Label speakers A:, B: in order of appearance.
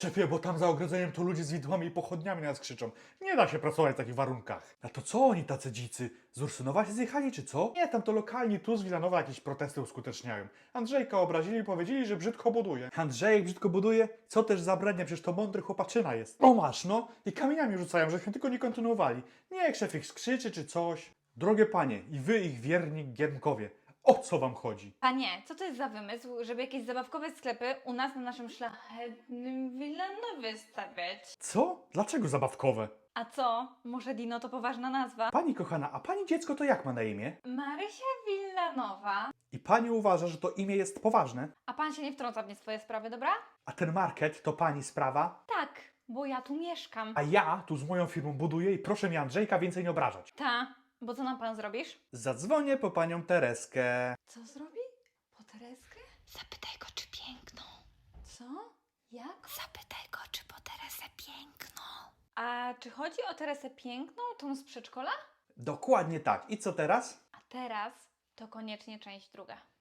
A: Szefie, bo tam za ogrodzeniem to ludzie z widłami i pochodniami nas krzyczą. Nie da się pracować w takich warunkach. A to co oni tacy dzicy? Z Ursynowa się zjechali czy co? Nie, tam to lokalni tu z Wilanowa jakieś protesty uskuteczniają. Andrzejka obrazili i powiedzieli, że brzydko buduje. Andrzejek brzydko buduje? Co też zabrania, przecież to mądry chłopaczyna jest. O masz no! I kamieniami rzucają, żeśmy tylko nie kontynuowali. Niech szef ich skrzyczy czy coś. Drogie panie i wy ich wierni giermkowie, o co wam chodzi?
B: Panie, co to jest za wymysł, żeby jakieś zabawkowe sklepy u nas na naszym szlachetnym Wilanowie stawiać?
A: Co? Dlaczego zabawkowe?
B: A co? Może Dino to poważna nazwa?
A: Pani kochana, a pani dziecko to jak ma na imię?
B: Marysia Wilanowa.
A: I pani uważa, że to imię jest poważne?
B: A pan się nie wtrąca w nie swoje sprawy, dobra?
A: A ten market to pani sprawa?
B: Tak, bo ja tu mieszkam.
A: A ja tu z moją firmą buduję i proszę mi Andrzejka więcej nie obrażać.
B: Ta, bo co nam pan zrobisz?
A: Zadzwonię po panią Tereskę.
B: Co zrobi? Po Tereskę?
C: Zapytaj go, czy piękną.
B: Co? Jak?
C: Zapytaj go, czy po Teresę piękną.
B: A czy chodzi o Teresę Piękną, tą z przedszkola?
A: Dokładnie tak. I co teraz?
B: A teraz to koniecznie część druga.